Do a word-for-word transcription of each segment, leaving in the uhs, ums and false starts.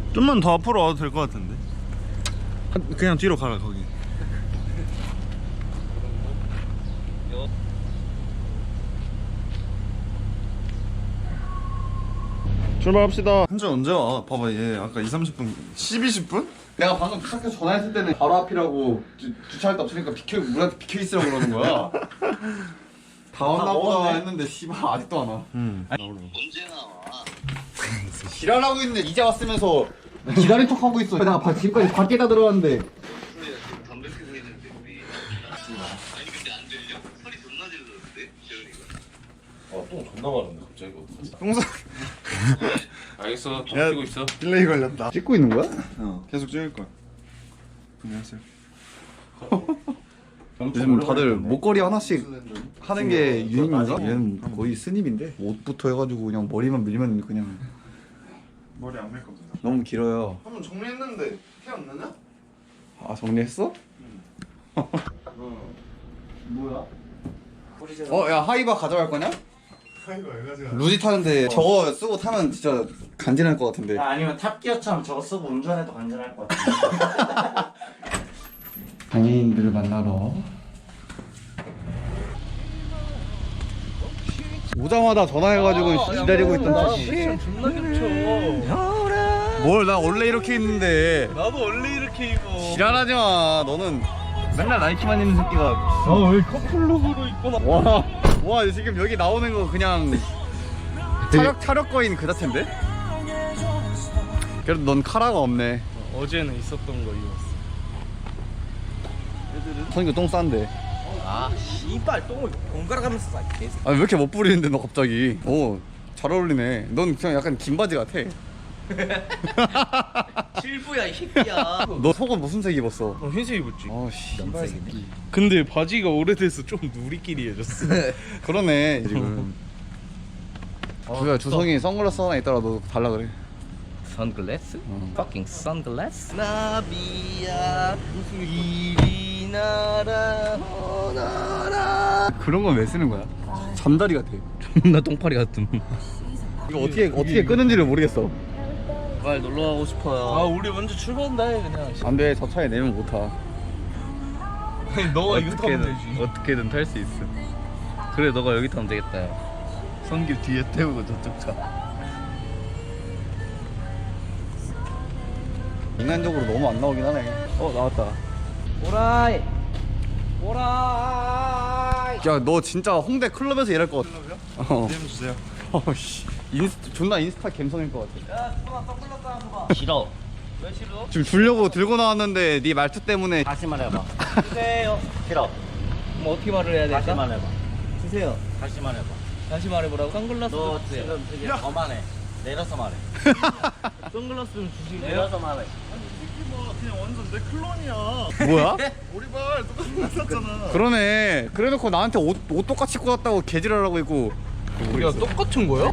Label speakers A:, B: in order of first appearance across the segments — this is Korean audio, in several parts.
A: 좀만 더 앞으로 와도 될 것 같은데. 그냥 뒤로 가라 거기. 출발합시다. 현재 언제 와? 봐봐 얘 아까 이삼십 분 십, 이십 분?
B: 내가 방금 학교 전화했을 때는 바로 앞이라고 주, 주차할 데 없으니까 비켜 우리한테 비켜 있으라고 그러는 거야. 다 왔나 보다 했는데 씨발 아직도 안 와.
A: 응.
C: 언제 나와?
B: 지랄하고 있는데 이제 왔으면서 기다린 척 하고 있어. 내가 바, 지금까지 밖에다 들어왔는데.
C: 소리야 지금 담배 피고 있는데 우리. 아니 근데 안 들려? 소리 존나 질렀는데 재현이가.
D: 아똥 존나 마른데 갑자기 어떡하지?
A: 똥사.
D: 알겠어. 똥
A: 야,
D: 피고 있어.
A: 딜레이 걸렸다.
B: 찍고 있는 거야?
A: 어 계속 찍을 거야. 안녕하세요.
B: 요즘 다들 목걸이 하나씩 하는 게 유행인가? 얘는 거의 스님인데 옷부터 해가지고 그냥 머리만 밀면 그냥
A: 머리 안 밀 겁니다.
B: 너무 길어요.
A: 한번 정리했는데 티 안 나냐?
B: 아 정리했어?
A: 뭐야?
B: 어 야 하이바 가져갈 거냐?
A: 이거 왜 가져가?
B: 루지 타는데 저거 쓰고 타면 진짜 간지날 것 같은데.
E: 야, 아니면 탑기어처럼 저거 쓰고 운전해도 간절할 것 같아.
B: 장애인들을 만나러 오자마자 전화해가지고 기다리고 있던 씨.
A: 존나 겹쳐.
B: 뭘 나 원래 이렇게 입는데.
A: 나도 원래 이렇게 입어.
B: 지랄하지 마. 너는 맨날 나이키만 입는 새끼가.
A: 아왜 커플룩으로 입고 나?
B: 와, 와 지금 여기 나오는 거 그냥 차력 차력 거인 그 자체인데? 그래도 넌 카라가 없네.
A: 어제는 있었던 거 입었어.
B: 선이가 똥 싼데.
E: 아, 씨발 똥을 번갈아 가면서 싸. 개새끼.
B: 아 왜 이렇게 못 부리는데 너 갑자기? 오, 잘 어울리네. 넌 그냥 약간 긴 바지 같아.
E: 실부야 이 새끼야.
B: 너 속은 무슨 색 입었어?
A: 어, 흰색 입었지.
B: 아 씨발 새끼.
A: 근데 바지가 오래돼서 좀 누리끼리해졌어.
B: 그러네 지금. 주야 주성이 선글라스 하나 있더라. 너 달라 그래.
E: 선글라스?
B: 어.
E: Fucking 선글라스? 나비야 이리 날아오너라.
B: 그런 건 왜 쓰는 거야? 잠다리 같아.
E: 존나 똥파리 같음.
B: 이거 어떻게 어떻게 끄는지를 모르겠어.
E: 빨리 놀러 가고 싶어요.
A: 아 우리 먼저 출발한다 해 그냥.
B: 안돼 저 차에 내면 못 타.
A: 아니 너가 이거 타면 되지.
E: 어떻게든 탈 수 있어. 그래 너가 여기 타면 되겠다. 야.
A: 성규 뒤에 태우고 저쪽 차.
B: 인간적으로 너무 안 나오긴 하네. 어 나왔다.
E: 오라이 오라이.
B: 야 너 진짜 홍대 클럽에서 일할 것 같아. 어.
A: 디엠 주세요.
B: 어씨 인스 존나 인스타 갬성일 것 같아.
E: 싫어. 왜 싫어?
B: 지금 주려고 들고 나왔는데 네 말투 때문에.
E: 다시 말해봐. 주세요. 싫어. 뭐 어떻게 말을 해야 될까? 다시 말해봐. 주세요. 다시 말해봐. 다시 말해보라고? 선글라스 너 주세요. 지금 되게 거만해. 내려서 말해. 선글라스 좀 주시고요. 내려서 말해.
A: 그냥 완전 내 클론이야.
B: 뭐야?
A: 오리발 똑같이 샀잖아.
B: 그러네. 그래놓고 나한테 옷, 옷 똑같이 입고 왔다고 개지랄하고 있고.
A: 야 똑같은 거야?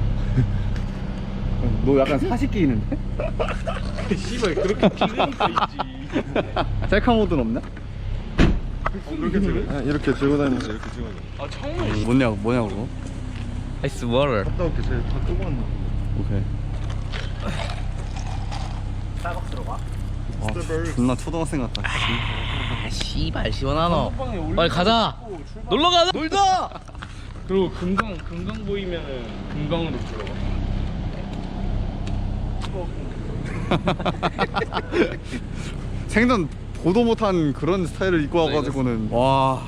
B: 너 약간 사식기 있는데?
A: 씨발 그렇게 찍으니까 있지.
B: 셀카 모드는 없나?
A: 이렇게 들고? 아, 이렇게 들고 다니면서 이렇게 찍어야 돼. 아 창문.
B: 뭐냐고 뭐냐고 그거?
E: 아이스 워터.
A: 갔다 올게. 쟤다 끄고 왔나.
B: 오케이.
E: 스타벅스 들어가.
B: 와 존나 초등학생 같다.
E: 아 씨발 시원하노.
A: 빵에 올리고
E: 빨리 가자.
A: 출발.
E: 놀러 가자. 놀자.
A: 그리고 금강 금강 보이면은 금강으로 들어가.
B: 생전 보도 못한 그런 스타일을 입고 와가지고는 와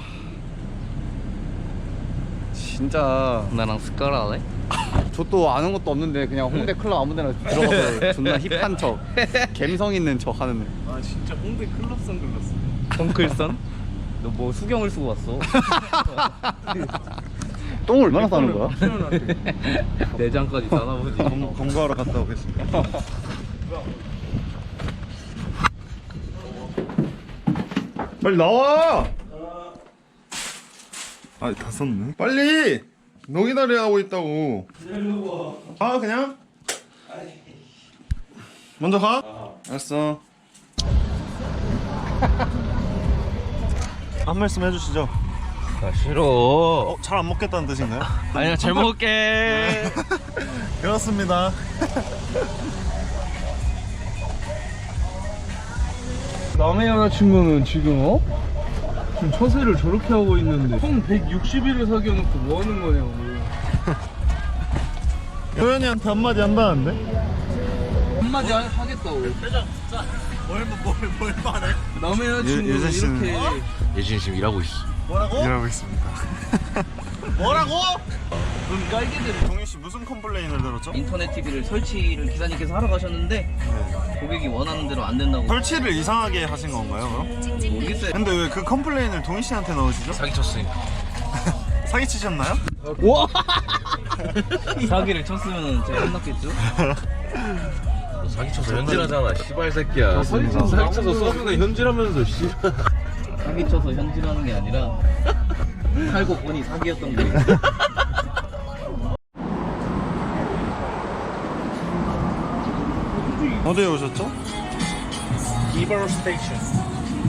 B: 진짜
E: 나랑 스카라 할래?
B: 저 또 아는 것도 없는데 그냥 홍대 클럽 아무데나 들어가서 존나 힙한 척 갬성 있는 척 하는 애.
A: 아 진짜 홍대 클럽 선글라스.
E: 덩클선? 너 뭐 수경을 쓰고 왔어?
B: 똥을 얼마나 싸는 거야?
E: 내장까지 싸나보지.
A: 검, 검거하러 갔다 오겠습니다. 빨리 나와! 아, 다 썼네. 빨리! 너 기다려 하고 있다고. 아, 그냥? 먼저 가? 알았어. 한 말씀 해주시죠.
E: 아 싫어.
A: 어, 잘 안 먹겠다는 뜻인가요?
E: 아니야 잘 먹을게.
A: 그렇습니다.
F: 남의 여자친구는 지금 어? 지금 처세를 저렇게 하고 있는데 총 백육십 일을 사귀어놓고 뭐 하는 거냐고.
A: 도현이한테 한마디 한다는데?
F: 한마디 하- 하겠다고.
E: 표정 진짜 뭘뭘뭘 말해?
F: 남의 여자친구는
A: 유- 유재 씨는-
F: 이렇게
D: 예진이 지금 일하고 있어.
E: 뭐라고?
A: 일하고 있습니다.
E: 뭐라고?
F: 눈 깔게 되네.
A: 동희 씨 무슨 컴플레인을 들었죠?
E: 인터넷 티비를 설치를 기사님께서 하러 가셨는데 고객이 원하는 대로 안 된다고.
A: 설치를 이상하게 하신 건가요, 그럼?
E: 모르겠어요.
A: 근데 왜 그 컴플레인을 동희 씨한테 넣으시죠?
D: 사기 쳤으니까.
A: 사기 치셨나요?
E: 와! 사기를 쳤으면 제가 혼났겠죠?
D: 너 사기 쳐서 현질하잖아. 씨발 새끼야. 사기 쳐서 사기 쳐서 서브가 현질하면서 씨.
E: 사기 쳐서 현질하는 게 아니라 살고 보니 사기였던 거예요.
A: 어디에 오셨죠?
F: 이버로 스테이션.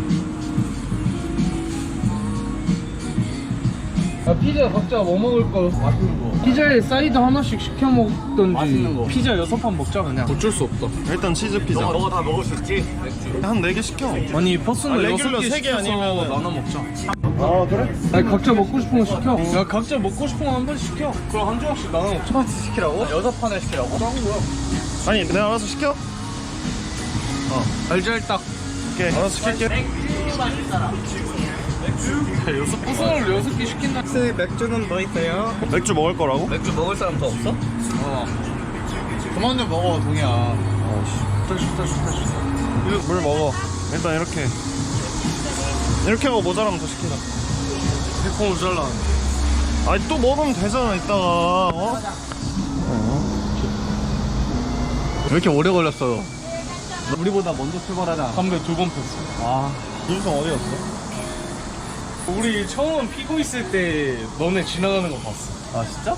F: 아, 피자 각자 뭐 먹을 거? 맛있는 거. 피자에 사이드 하나씩 시켜 먹던지.
E: 맛있는 거.
F: 피자 여섯 판 먹자 그냥. 어쩔 수 없다.
A: 일단 치즈 피자.
E: 너가 다 먹을 수 있지?
A: 한 네 개 시켜.
F: 아니 퍼스널
A: 아,
F: 여섯
A: 레귤러
F: 개
A: 세개
F: 시켜서
A: 아니면은-
F: 나눠 먹자.
A: 아, 그래?
F: 아니 각자 먹고 싶은 거 시켜. 야 각자 먹고 싶은 거 한 번 시켜. 그럼 한 조각씩 나눠 먹자.
E: 첫 시키라고? 여섯 판을 시키라고?
A: 아니, 내가 알아서 시켜.
F: 알잘딱.
A: 오케이. 알아서 시킬게.
F: 퍼스널 여섯 개 시킨다.
E: 맥주는 더 있어요?
A: 맥주 먹을 거라고?
E: 맥주 먹을 사람 더 없어?
B: 그만 좀 먹어 동이야.
A: 물 먹어. 일단 이렇게. 이렇게 하고 모자라면 더 시키자.
F: 백콩을 잘라.
A: 아니, 또 먹으면 되잖아, 이따가. 어?
B: 왜 이렇게 오래 걸렸어? 우리보다 먼저 출발하자.
F: 담배 두 번 폈어.
B: 아,
A: 윤성 어디 갔어?
F: 우리 처음 피고 있을 때 너네 지나가는 거 봤어.
B: 아 진짜?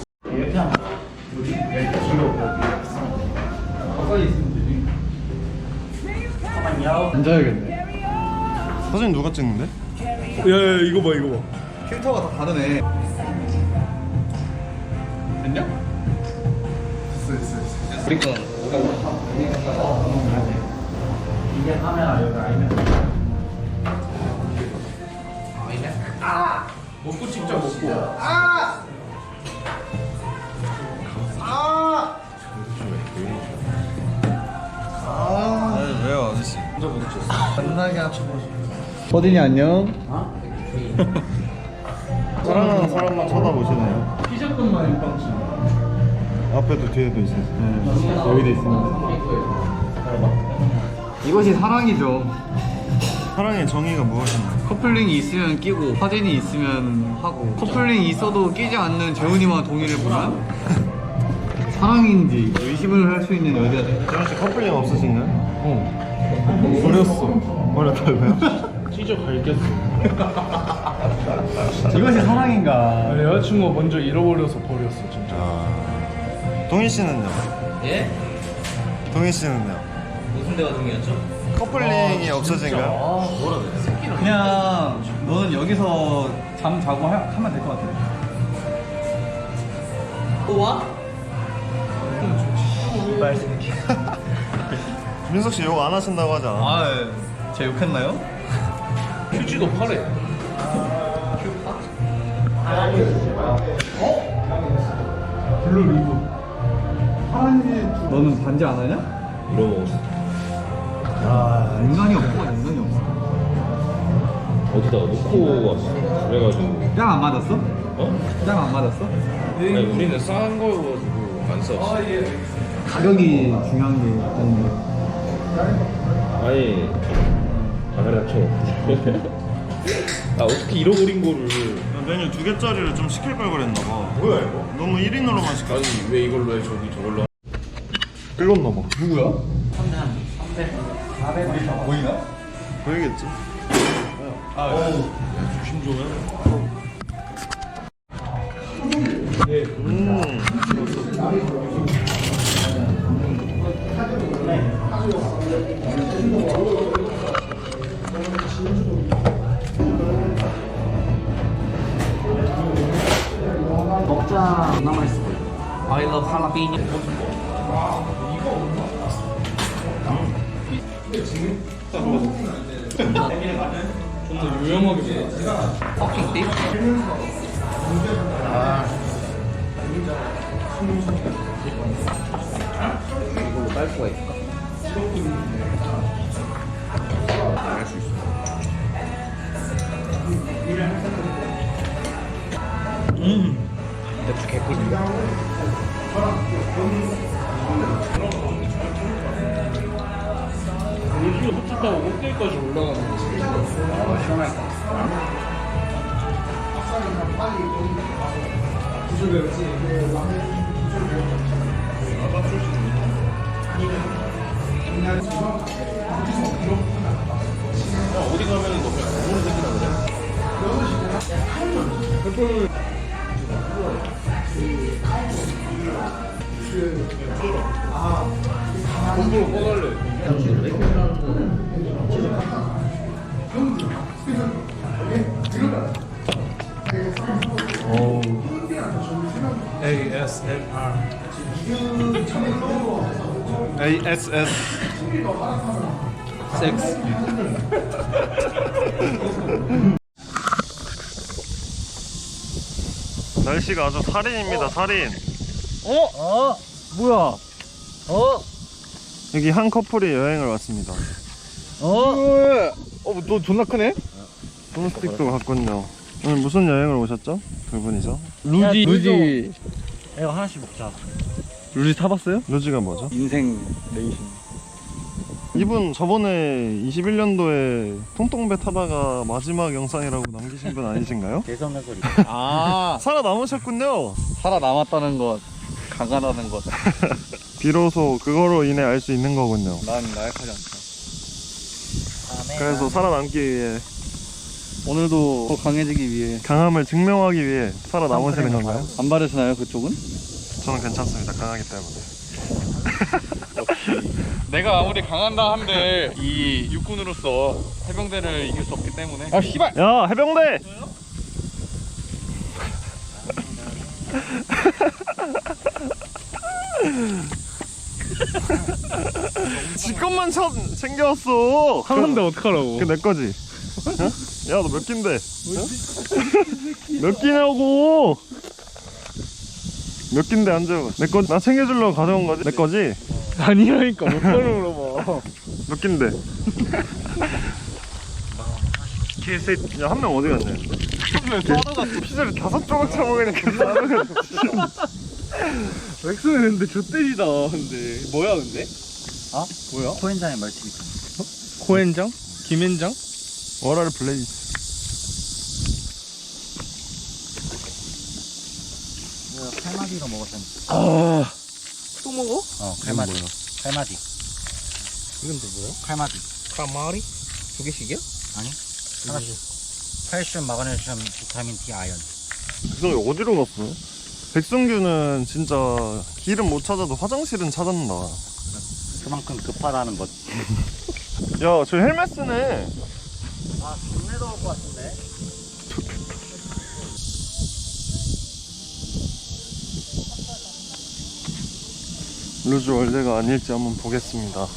B: 앉아야겠네.
A: 사진 누가 찍는데?
F: 야야 이거 봐 이거 봐.
B: 필터가 다 다르네. 됐냐? 됐어 됐어 됐어.
E: 우리 건
F: 먹고 찍자 먹고.
A: 아니, 왜요, 아저씨?
B: 만나게 합쳐보자. 버딘이 안녕.
A: 사랑하는 사람만 쳐다보시네요.
F: 피자값만 일방씩.
A: 앞에도 뒤에도 있어요.
B: 여기도 있습니다. 이것이 사랑이죠.
A: 사랑의 정의가 무엇인가요?
B: 커플링이 있으면 끼고 사진이 있으면 하고 커플링이 있어도 끼지 않는 재훈이와 동의를 보면 사랑인지 의심을 할 수 있는 여자들.
A: 재현씨 커플링 없으신가요?
F: 어. 버렸어.
A: 버렸다고요?
F: 찢어 갈겼어.
B: 이것이 사랑인가?
F: 내 여자친구가 먼저 잃어버려서 버렸어 진짜.
A: 아... 동희 씨는요?
E: 예?
A: 동희 씨는요?
E: 무슨 대화 중이었죠?
A: 커플링이 없어진가요?
B: 그냥 너는 여기서 잠 자고 하, 하면 될 것 같아.
E: 또 와?
A: 민석 씨 욕 안 하신다고 하지 않아?
B: 아, 제가 욕했나요?
F: 휴지도 팔해. 블루 리본.
B: 너는 반지 안 하냐?
D: 물어먹었어.
B: 아, 인간이 없고 인간이 없어.
D: 어디다가 놓고 왔어. 그래가지고.
B: 짱 안 맞았어?
D: 어?
B: 짱 안 맞았어?
D: 아니, 우리는 싼 거여가지고 안 써.
B: 가격이 중요한 게 아닌데.
D: 아니. 아 그래 닥쳐. 아 어떻게 잃어버린 거를.
A: 메뉴 두 개짜리를 좀 시킬 걸 그랬나 봐. 뭐야 이거? 너무 일 인으로만 시켰어.
D: 아니 왜 이걸로 해 저기 저걸로.
A: 끌렸나 봐.
B: 누구야?
A: 보이나? 보이겠지.
D: 조심 좀 해.
A: 음.
E: 먹자. 남아있어. I love jalapeno.
F: 너무 유용하게
E: 퍼킹 띠? 이걸로 깔 수가 있을까?
A: 할수 있어.
E: 음 맥주 개꿀이야.
F: 물기가 흡착하고 꼭대기까지 올라가는 거지.
E: 아 시원할 것 같아.
D: 어디 가면은 너 그냥 공으로 생기나 그래?
F: 공부로 꺼달래. 에이에스엠알.
A: 에이에스에스.
F: 섹스.
A: 날씨가 아주 살인입니다. 살인.
E: 어? 어? 뭐야? 어?
A: 여기 한 커플이 여행을 왔습니다.
E: 어?
B: 어, 너 존나 크네?
A: 돈스틱도 갔군요. 오늘 무슨 여행을 오셨죠? 두 분이서?
F: 루지. 루지.
E: 이거 하나씩 먹자.
F: 루지 타봤어요?
A: 루지가 뭐죠?
F: 인생 레이싱.
A: 이분 저번에 이십일 년도에 통통배 타다가 마지막 영상이라고 남기신 분 아니신가요?
E: 대성의 소리.
B: 아,
A: 살아남으셨군요.
B: 살아남았다는 것, 강하다는 것.
A: 비로소 그거로 인해 알 수 있는 거군요.
B: 난 나약하지 않다.
A: 그래서 살아남기 위해
B: 오늘도 더 강해지기 위해
A: 강함을 증명하기 위해 살아남으시는 건가요?
B: 안 바르시나요, 그쪽은?
A: 저는 괜찮습니다. 강하기 때문에.
B: 내가 아무리 강한다 한들 이 육군으로서 해병대를 이길 수 없기 때문에. 아, 씨발!
A: 야, 해병대! 지 것만 쳐, 챙겨왔어.
F: 하는데 어떡하라고.
A: 그 내 거지. 어? 야, 너 몇 낀데? 어? 몇 끼냐고? 몇 낀데 안 줘? 내 거, 나 챙겨주려고 가져온 거지? 내 거지?
F: 아니라니까 몇 번을 물어봐.
A: 몇 낀데? 개새끼. 야, 한 명 어디 갔냐? 피자를 다섯 조각 처먹으니까 싸우는
F: 맥스는 근데 좆대지다. 근데 뭐야 근데?
E: 어?
F: 뭐야?
E: 코엔장의 말티비.
F: 코엔장? 김엔장?
A: 워라를 블레이즈.
E: 이거 칼마디로 먹었잖아.
F: 아. 또 먹어?
E: 어, 칼마디. 칼마디.
F: 이건 또 뭐야?
E: 칼마디.
F: 카마리? 두 개씩이야?
E: 아니? 하나씩. 칼슘, 마그네슘, 비타민 D, 아연.
A: 백성이 어디로 갔어? 백성규는 진짜 길은 못 찾아도 화장실은 찾았나.
E: 그만큼 급하다는 것.
A: 야, 저 헬멧 쓰네.
E: 아, 국내도 올 것 같은데?
A: 루즈 월드가 아닐지 한번 보겠습니다.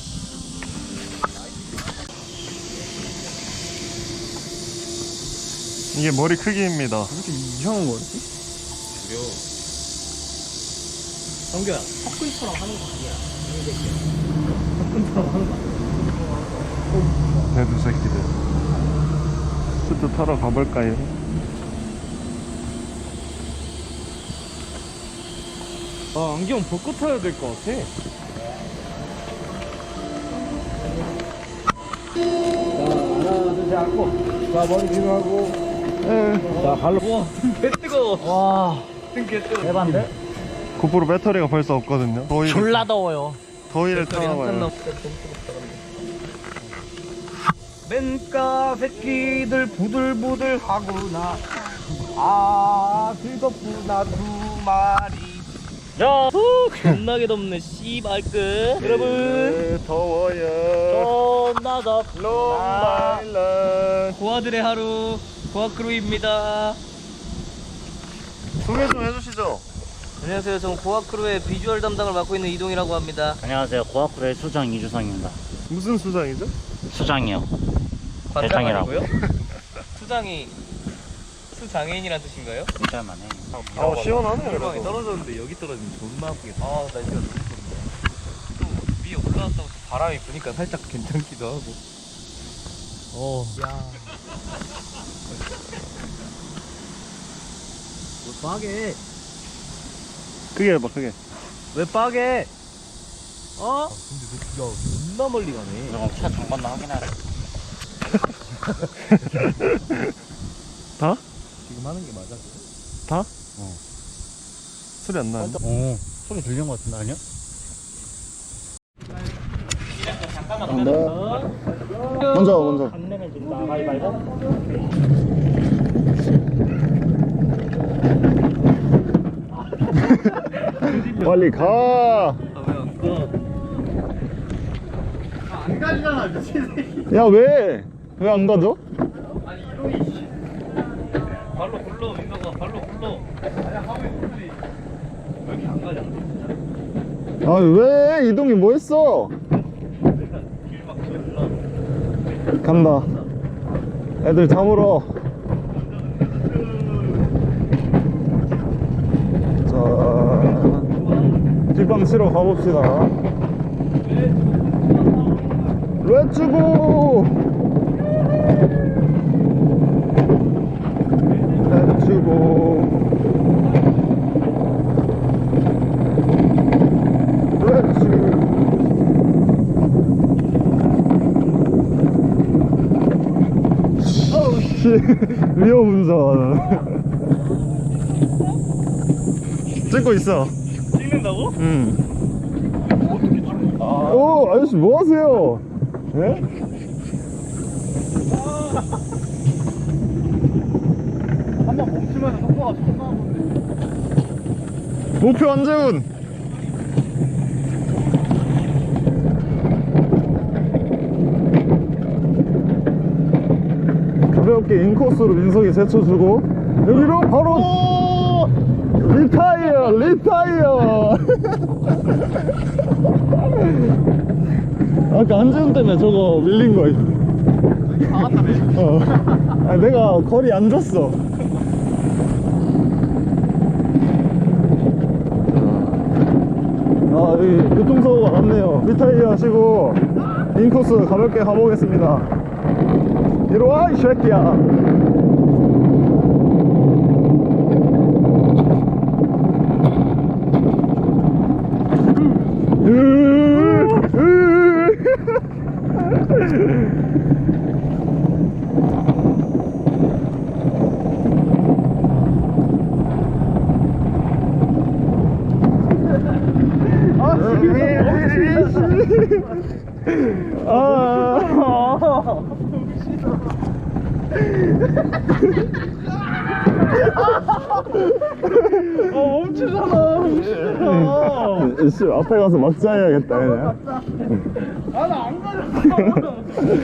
A: 이게 머리 크기입니다.
F: 왜 이렇게 이상한 거지?
D: 그려.
E: 성규야, 턱근처럼 하는 거 아니야.
F: 턱근처럼 하는 거 아니야?
A: 대두 새끼들. 수트 타러 가볼까요?
F: 아, 안경 벗고 타야 될 것 같아.
A: 자, 머리 뒤로 하고.
E: 자, 발로. 우와, 개 뜨거워. 와, 개 뜨거워. 대반데?
A: 고프로 배터리가 벌써 없거든요. 더위를,
E: 졸라 더워요.
A: 더위를 타나봐요.
E: 맨가 새끼들 부들부들 하구나. 아, 즐겁구나, 두 마리. 야, 후, 겁나게 덥네, 씨발끝. 여러분,
A: 네, 더워요.
E: 존나 덥구나.
A: 롱바일런.
E: 고아들의 하루, 고아크루입니다.
A: 소개 좀 해주시죠.
E: 안녕하세요. 저는 고아크루의 비주얼 담당을 맡고 있는 이동이라고 합니다.
G: 안녕하세요. 고아쿠르의 수장 이주성입니다.
A: 무슨 수장이죠?
G: 수장이요.
E: 관장이고요? 수장이 수장애인이란 뜻인가요?
G: 진짜만 해.
A: 아 시원하네
E: 방이
A: 그래도.
E: 떨어졌는데 여기 떨어지면 존나 아프겠다. 아 날씨가 너무 좋네. 또 위에 올라왔다고 또 바람이 부니까 살짝 괜찮기도 하고. 어. 야. 왜 빠게?
A: 크게 해봐 크게.
E: 왜 빠게? 어? 근데 너 야, 존나 멀리 가네.
G: 그럼 차 장관도 확인하라.
A: 다?
E: 지금 하는 게 맞아?
A: 다? 어. 소리 안 나는데?
G: 오, 소리 들린 것 같은데 아니야?
A: 먼저 먼저.
G: 안 내면 진다. 가위바위보.
A: 빨리 가.
B: 안 가지잖아 미친 새끼.
A: 야 왜? 왜 안 가져?
E: 발로 굴러 민가가 발로 굴러. 왜 이렇게 안 가냐?
A: 아 왜? 이동이 뭐 했어? 간다. 애들 잡으러. 자, 뒷방 치러 가봅시다. 렛츠고! 렛츠고! 렛츠고! 위험 운전. 찍고 있어.
E: 찍는다고?
A: 응. 오, 아저씨 뭐 하세요? 예?
B: 한번 멈추면 속도가 존나 건데.
A: 목표 안재훈. 가볍게 인코스로 민석이 제쳐주고 여기로 바로 리타이어 리타이어. 아까 안재훈 때문에 저거 밀린 거야.
B: 나갔다며.
A: 어. 아니, 내가 거리 안 줬어. 아, 여기 교통사고가 났네요. 리타이어 하시고 인코스 가볍게 가보겠습니다. 이리 와, 이 새끼야. 아 멈추잖아. 멈추잖아. 씨, 앞에 가서 막자 해야겠다 그냥.
B: 아 나 안 가졌어.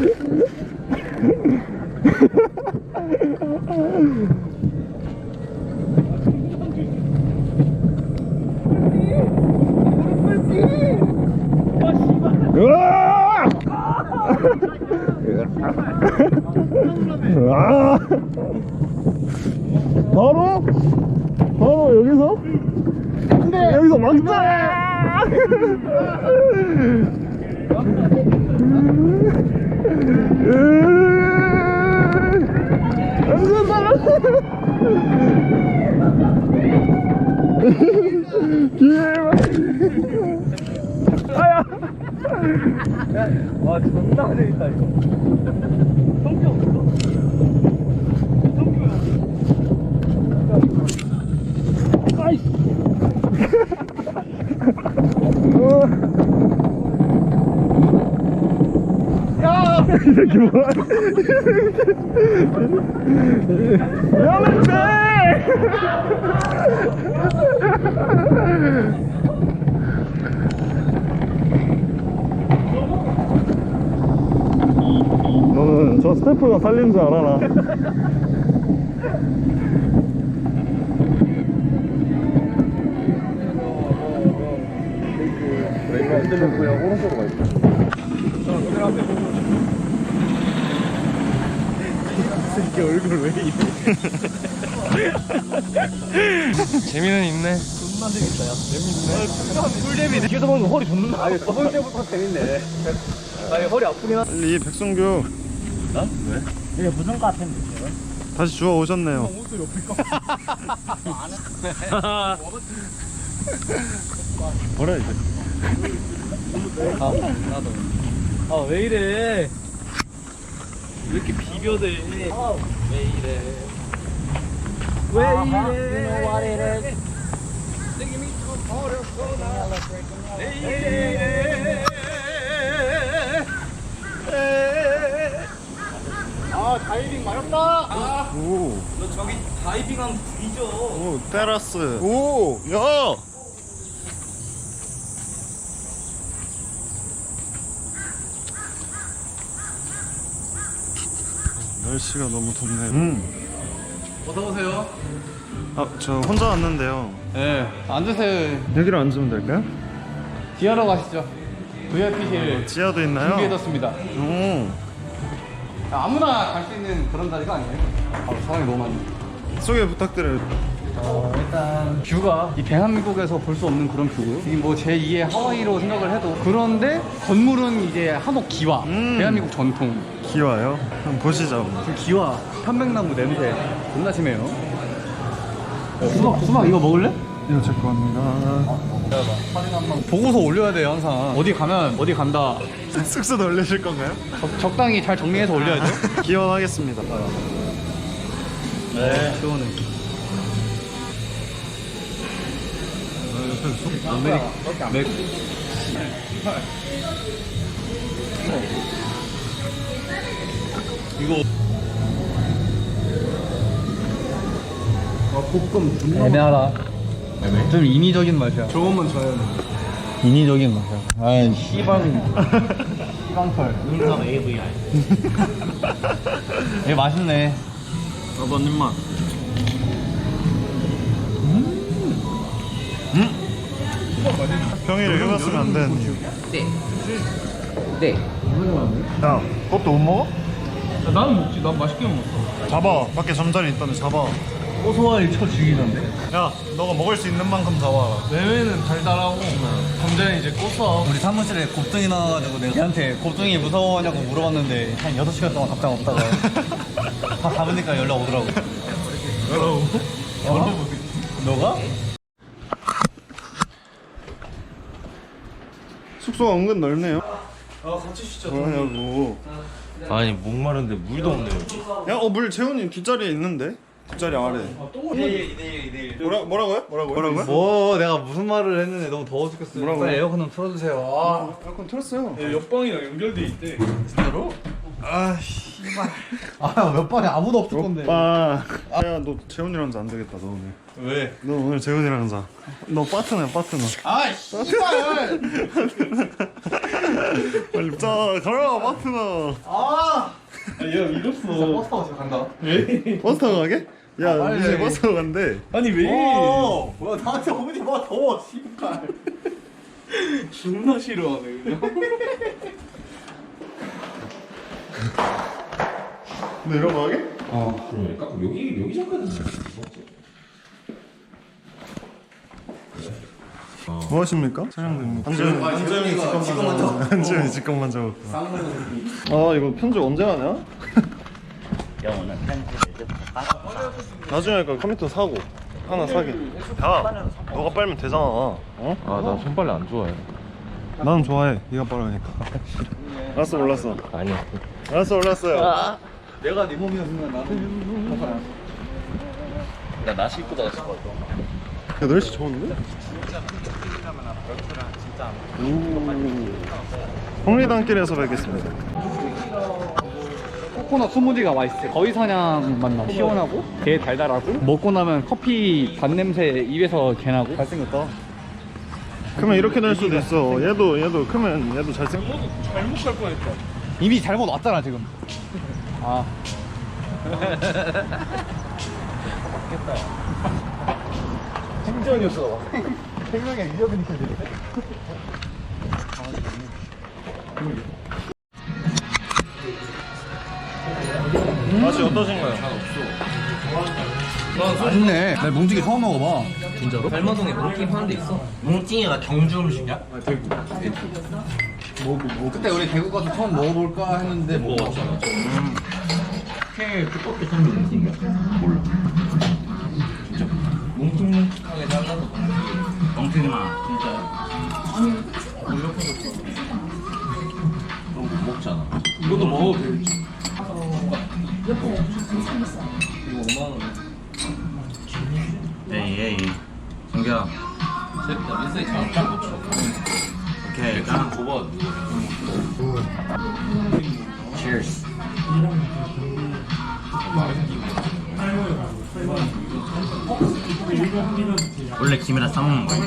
A: 으아! 아! 바로? 바로 여기서? 여기서 막자! 완전 빨라! 기회만! 아야!
E: 와 존나 재밌다 이거. 성격 없어?
A: 야! 이 새끼 뭐야? 위험한데! 너는 저 스태프가 살린 줄 알아라.
D: 브레이크 흔들면 그냥 오른쪽으로 가 있어.
B: 자, 그대로 앞에 보고.
F: 이게 얼굴 왜 이래?
A: 재미는 있네.
F: 존나 재밌다, 야. 재밌네. 꿀잼이네. 뒤에서 보면 허리 존나. 아니, 저번 때부터 재밌네. 아니, 허리 아프긴 하.
A: 빨리 백성규.
G: 이게 무슨 거 같은데?
A: 다시 주워 오셨네요.
F: 옷도 옆에 까.
A: 뭐라 이제?
F: 아, 나도. 아, 왜 이래? 왜 이렇게 비벼대? 아, 왜 이래? 왜 이래? 아, 다이빙 마렵다. 아,
A: 오,
F: 너 저기 다이빙하면 뒤져.
A: 오, 테라스. 오, 야. 날씨가 너무 덥네요. 음.
F: 어서 오세요.
A: 아, 저 혼자 왔는데요.
B: 네, 앉으세요.
A: 여기로 앉으면 될까요?
B: 지하로 가시죠. 브이아이피실
A: 지하도 있나요?
B: 준비해뒀습니다.
A: 오,
B: 아무나 갈 수 있는 그런 자리가 아니에요. 아, 사람이 너무 많네.
A: 소개 부탁드려요.
B: 어, 일단 뷰가 이 대한민국에서 볼 수 없는 그런 뷰고요. 이게 뭐 제이의 하와이로 생각을 해도 그런데 건물은 이제 한옥 기와
A: 음.
B: 대한민국 전통
A: 기와요? 한번 보시죠.
B: 그 기와 편백나무 냄새 존나 심해요. 어, 수박 수박 이거 먹을래?
A: 이거 제 겁니다.
B: 보고서 올려야 돼요 항상. 어디 가면 어디 간다.
A: 숙소도 올리실 건가요?
B: 적, 적당히 잘 정리해서 올려야죠.
A: 기원하겠습니다.
B: 네. 시원해. 아메리카 맥. 이거 아 볶음 존나 애매하다. 좀 인위적인 맛이야.
F: 저것만 줘야 돼.
B: 인위적인 맛이야. 아이 씨방 씨방털.
G: 눈썹 에이브이아이.
B: 얘 맛있네.
A: 나도 한 입만. 평일에 휴가 쓰면 안 되는 이유.
E: 네. 네.
A: 야, 그것도 못 먹어?
F: 야, 나는 먹지. 난 맛있게 먹었어.
A: 잡아. 밖에 잠자리 있다는데 잡아.
F: 고소하니 쳐 죽이던데.
A: 야, 너가 먹을 수 있는 만큼 잡아.
F: 내외는 달달하고 감자는 이제 고소하고.
B: 우리 사무실에 곱등이 나와가지고 내가 걔한테 곱등이 무서워하냐고 물어봤는데 한 여섯 시간 동안 답장 없다가 다 잡으니까 연락 오더라고.
F: 여러분.
B: 어? 너가?
A: 숙소가 은근 넓네요.
F: 아 같이 쉬자.
A: 뭐하냐고.
D: 아니 목마른데 물도 없네 여기.
A: 야, 어, 물 재훈이 뒷자리에 있는데? 뒷자리 아래.
B: 이대일 이대일 이대일.
A: 뭐라, 뭐라고요? 뭐라고요? 뭐라고요?
B: 뭐 내가 무슨 말을 했는데 너무 더워 죽겠어요.
A: 뭐라고요?
B: 빨리 에어컨 좀 틀어주세요. 아
A: 에어컨 틀었어요.
F: 야, 옆방이랑 연결돼 있대.
B: 진짜로?
A: 아, 씨발.
B: 아몇 번에 아무도 없을 건데.
A: 오빠. 야, 너 재훈이랑 자안 되겠다, 너 오늘.
B: 왜?
A: 너 오늘 재훈이랑 자. 너 파트너야, 파트너.
B: 아 씨발.
A: 빨리 자, 가라, 파트너.
B: 아.
F: 야 잃었어.
B: 버스 타고 집에 간다.
A: 버스 타고 가게? 야,
B: 아, 빨리.
A: 이제 버스 타고 간대.
F: 아니 왜?
B: 어. 뭐야 나한테 오지 마 더워 씨발.
F: 존나 싫어하네 그냥.
A: 너 이런 거 하게?
D: 어. 여기 여기 잠깐.
A: 뭐 하십니까? 촬영됩니다. 한재훈이, 한재훈이 직권만 잡고. 한재훈이 직권만 잡고. 아, 이거 편집 언제 하냐?
G: 영어는 편집을 이제부터 따로.
A: 나중에 할까 컴퓨터 사고 하나 사게. 야, 너가 빨면 되잖아. 어?
D: 아 나 손빨래 안 좋아해.
A: 나는 좋아해. 네가 빨으니까. 알았어, 몰랐어.
D: 아니야.
A: 알았어, 몰랐어요.
B: 내가 네 몸이었으면 나는
E: 나나 씻고 나갔을 것 같아.
A: 야, 날씨 좋은데? 홍리단길에서 뵙겠습니다.
B: 코코넛 스무디가 맛있어. 거위 사냥 맛 나. 시원하고 게 달달하고 먹고 나면 커피 단 냄새 입에서 개 나고. 잘생겼다.
A: 크면 이렇게 될 수도 있어. 얘도 얘도 크면 얘도 잘생.
F: 잘못 갈 뻔했다.
B: 이미 잘못 왔잖아 지금. 아.
F: 행전이었어.
B: 생명의 위협이 느껴지네.
A: 맛이 어떠신가요?
B: 맛있네. 나 뭉치기 처음 먹어봐.
E: 별마동에 몽킹 파는 데 있어.
G: 뭉팅이가 경주 음식이야?
B: 그때 우리 대구 가서 처음 먹어볼까 했는데 못 먹었잖아.
G: 제일 두껍게 생긴 뭉팅이야? 몰라.
E: 뭉팅뭉팅하게 잘라서
G: 뭉팅이나 진짜요?
D: 못 먹잖아.
F: 이것도 먹어도 되지.
E: 이거 오만 원.
G: 에이 에이 성규야
E: 재밌다. 민서이 잘못 쳐.
G: 오케이 짠
D: 두 번.
G: Cheers 원래 김이랑 싸먹는 거야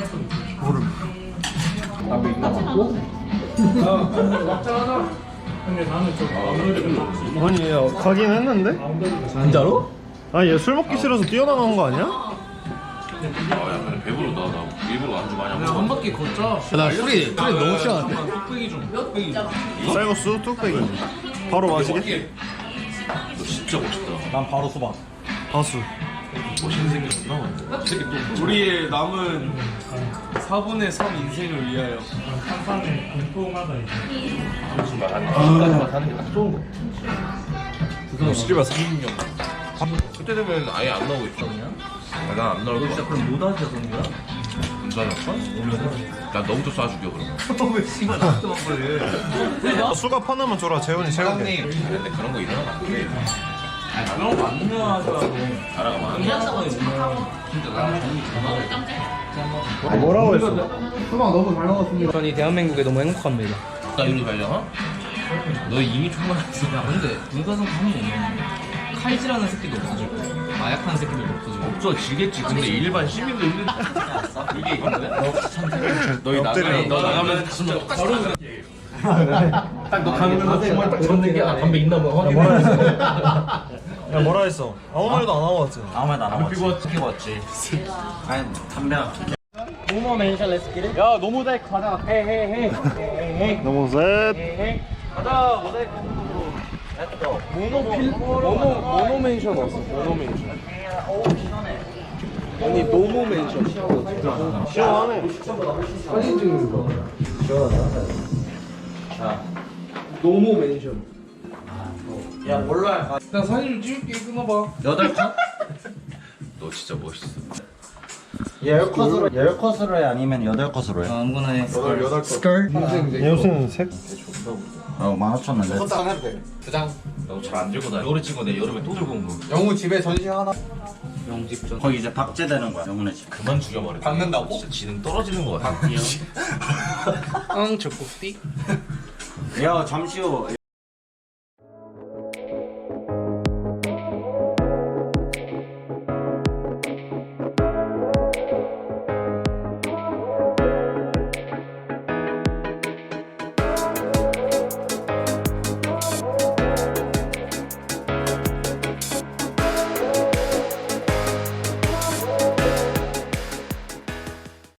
A: 아니 얘 가긴 했는데?
E: 진짜로?
A: 아니 얘 술 먹기 싫어서 뛰어나간 거 아니야?
D: 아, 야, 근데 배부르다. 나 일부러 안주 많이 안 먹어.
F: 한 바퀴 걷자.
B: 나 술이 술이 너무 취하는데.
F: 뚝배기 좀. 뚝배기 좀.
A: 쌀국수 뚝배기 바로 마시게?
D: 너 진짜 멋있다.
G: 난 바로 수박
A: 바수
D: 멋있는 생겼구나.
F: 우리의 남은 사분의 삼 인생을 위하여.
D: 시집아 삼십 년. 그때 되면 아예 안 나오고 있어. 난안 나올 거야.
E: 진짜 그럼 못 하시죠, 성규야?
D: 괜찮았어? 난 너부터 쏴줄게 그럼.
E: 왜 씨발 나한테 먹거든.
A: 수갑 하나만 줘라 재훈이 채우게.
D: 근데 그런 거 일어나면 안 돼.
E: 그런 거안 유명하더라고.
D: 알아가 봐.
E: 이한상은 유명하고. 진짜 나랑 정이 전화를
A: 아, 뭐라고 했어?
B: 수박 너무 잘 먹었습니다.
E: 전이 대한민국에 너무 행복합니다.
D: 나 이리 발령아? 너 이미 총알했어.
E: 야 근데 불가성 하는 거 없네. 칼질하는 새끼도 없어지고 마약하는 새끼도 없어지고.
D: 없어 지겠지. 근데 일반 시민들 이게 이건데? 너희 나가면 너 나가면 진짜 바로 딱너 가면 정말 딱 젖는 게 아 담배 있나 뭐 확인해.
A: 야 뭐라 했어? 아무 말도 안 하고 왔지.
G: 아무 말도 안 하고
D: 피고 왔지.
G: 피고 왔지 아니 담배랑
E: 모모 멘션 렛츠 기릿. 야 노모자이크 가자. 헤헤헤. 헤헤헤.
A: 너무 셋.
E: 헤헤. 가자 모자이크 공부로. 렛츠고.
F: 모노필 모노 모노멘션 왔어. 모노멘션. 아니 노모멘션.
A: 시원하네.
F: 사진 찍는 거. 노모멘션.
G: 야 몰라
F: 나 사진 좀 찍을게. 끊어봐.
G: 여덟 컷?
D: 너 진짜 멋있어.
G: 열 컷으로 열 컷으로 해 아니면 여덟 컷으로 해?
E: 아무거나 해.
B: 여덟 여덟 거.
G: 스컬?
A: 얘 무슨 색?
G: 어 만 오천 원인데
B: 컷장 해도 돼. 두 장.
D: 너 잘 안 들고 다녀. 겨울에 찍어 내 여름에 또 들고 온 거.
B: 영우 집에 전시 하나.
E: 영집전.
G: 거기 이제 박제되는 거야 영훈의 집
D: 그만 죽여버려.
B: 박는다고?
D: 진짜 지능 떨어지는 거 같아.
F: 앙 적국띠.
G: 야 잠시 후